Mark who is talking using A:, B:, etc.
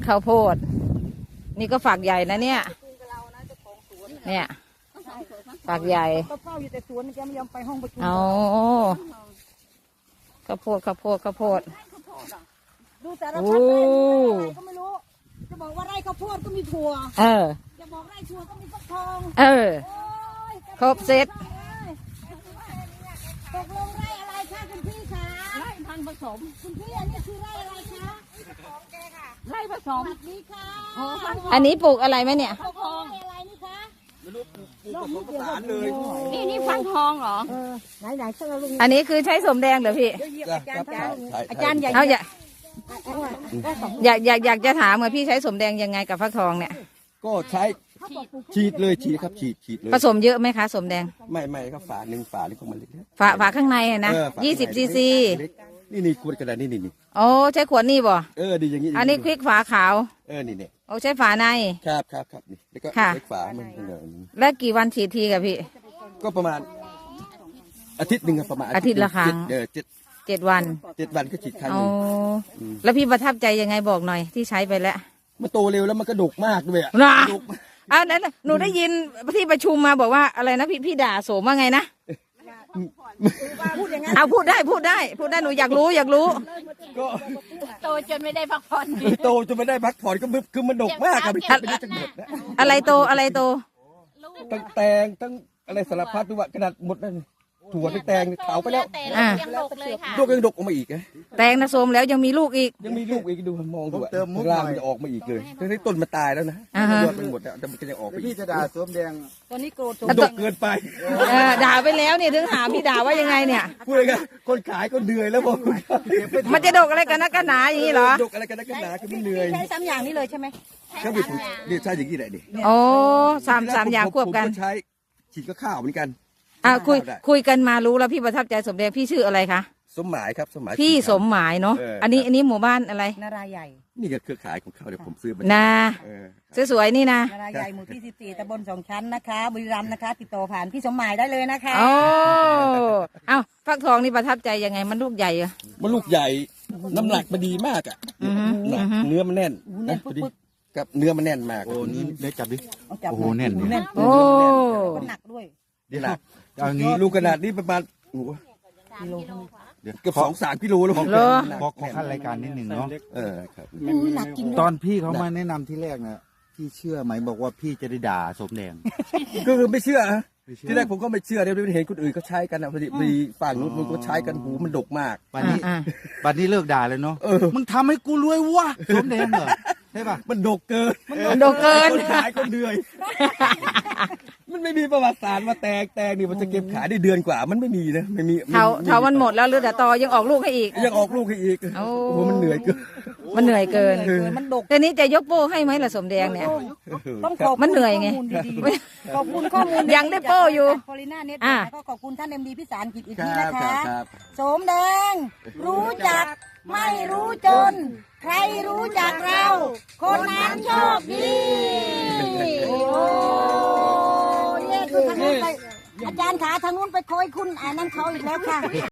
A: ข้าวโพดนี่ก็ฝักใหญ่นะเนี่ยเนี่ยฝักใหญ่
B: ก็เฝ้าอยู่แต่สวนแกไม่ยอมไปห้องประชุม
A: เอาข้าวโพด
B: ดูแต่ละพัดไร่อะไรก็ไม่รู้จะบอกว่าไร่ข้าวโพดก็มีถั่วจะบอกไร่ถั่วก็มีฟักทอง
A: ครบเซต
B: ตกลงไร่อะไรคะคุณพี่คะไร่พันธุ์ผสมคุณพี่อันนี้คือไร่อะไรคะไร่ผสมนี่ค่ะ
A: อันนี้ปลูกอะไรไหมเนี่ย
B: ฟักทองอะไรนี่คะ
C: ไม่รู้ปลูกผสมผสานเลย
B: นี่ฟักทองเหรอไหนๆเสื้อลุง
A: อันนี้คือใช้สมแดงเหรอพี่
B: อาจารย์ใหญ่
A: เอาอยากจะถามว่าพี่ใช้สมแดงยังไงกับฟักทองเนี่ย
C: ก็ใช้ฉีดเลยฉีดครับฉีดเลย
A: ผสมเยอะไหมคะสมแดง
C: ไม่ครับฝาหนึ่งฝานี่ของมันเล็ก
A: ฝาข้างในนะ20 cc
C: นี่ขวดกระดาษนี่
A: โอ้ใช้ขวดนี่บ่
C: ดีอย่างนี้
A: อันนี้ควิกฝาขาว
C: นี่
A: โอ้ใช้ฝาใน
C: ครับนี่แล้วก็เล็กฝามัน
A: แล้วกี่วันฉีดทีกับพี่
C: ก็ประมาณอาทิตย์หนึ่งประมาณ
A: อาทิตย์ละครั้ง7 วัน
C: ก็ฉีดครั้ง
A: นึงแล้วพี่ประทับใจยังไงบอกหน่อยที่ใช้ไปแล้ว
C: มันโตเร็วแล้วมันก็ดกมากด้วย
A: นั้นหนูได้ยินที่ประชุมมาบอกว่าอะไรนะพี่ด่าโสมว่าไงนะพูดได้หนูอยากรู้
B: ก็โตจนไม่ได้พักผ่อน
C: ก็คือมันดกมากครับ
A: อะไรโต
C: ตั้งแตงตั้งอะไรสารพัดด้วยกระดาษหมดนั่นถั่วแตงขาวไปแล้ว
B: ยังดกเลยค่ะ
C: ลูกยังดกออกมาอีก
A: แตงนะโสมแล้วยังมีลูกอีก
C: ดูมองดูเติมมุกหน่อยมันจะออกมาอีกเลยทั้งต้นมันตายแล้วนะยอดมันหมดแล้วแต่มันก็ยังออกไป
D: พี่จะด่าส้มแดง
B: ตอนนี้โกรธ
C: ดกเกินไป
A: ด่าไปแล้วเนี่ยถึงถามพี่ด่าว่ายังไงเนี่ย
C: พูดเลยกันคนขายก็เหนื่อยแล้วบอก
A: มันจะดกอะไรกันนักหนาอย่างนี้เหรอ
C: ดกอะไรกันนักหนาคือมันเหนื่อย
B: ใช้3อย่างนี้เลยใช่ไหม
C: ก็นี่ใช่อย่างนี้แหละดิ
A: โอ้สามอย่างควบกัน
C: ใช้ฉีดก็ข้าวเหมือนกัน
A: คุยกันมารู้แล้วพี่ประทับใจสมแดงพี่ชื่ออะไรคะ
C: สมหมายครับ
A: พี่สมหมายเนาะอันนี้หมู่บ้านอะไร
B: นาราใหญ่
C: นี่ก็เครือข่ายของเขาเดี๋ยวผมซื้อมา
A: สวยๆนี่นะ
B: นาราใหญ่หมู่ที่14ตำบล2 ชั้นนะคะบุรีรัมย์นะคะติดต่อผ่านพี่สมหมายได้เลยนะคะ
A: ฟักทองนี่ประทับใจยังไงมันลูกใหญ่เหรอ
C: มันลูกใหญ่น้ำหนักมันดีมากเนื้อมันแน่นกับเนื้อมันแน่นมาก
D: โอ้นี่เดี๋ยวจับดิโอ้แน่น
A: โอ้
B: หนักด้วย
C: หนักอย่างนี้ลูกขนาดนี้ประมาณเกือบ2-3 กิโลแล้ว
D: ขอขั้นรายการนิดหนึ่งเนาะ
C: ครับ
D: ตอนพี่เขามาแนะนำที่แรกนะพี่เชื่อไหมบอกว่าพี่จะได้ด่าสมแดง
C: ก็คือไม่เชื่อที่แรกผมก็ไม่เชื่อเดี๋ยวเห็นคนอื่นเขาใช้กันนะพอดีฝั่งนู้นมันก็ใช้กันหูมันดกมาก
D: บัดนี้เลิกด่าเลยเนาะมึงทำให้กูรวยวะสมแดงเหรอใช่ป่ะ
C: มันดกเกินคนขายคนเหนื่อยมันไม่มีประวัติศาสตร์มาแตงนี่มันจะเก็บขายได้เดือนกว่ามันไม่มีนะไม่มี
A: เท่ามันหมดแล้วหรือแต่ตอยังออกลูกให้อีกโอ้
C: มันเหนื่อยเกิน
A: มันดกแต่นี้จะยกโป้ให้ไหมล่ะสมแดงเนี่ย
B: ต้องขอบ
A: มันเหนื่อยไง
B: ขอบคุณข้อมูล
A: ยังได้โป้อยู่
B: พอลิน่าเน็ตก็ขอบคุณท่านMDพิสารกิจอีกทีนะคะสมแดงรู้จักไม่รู้จนใครรู้จักเราคนนั้นโชคดีอาจารย์ขาทางนู้นไปคอยคุณนั่นเขาอีกแล้วค่ะ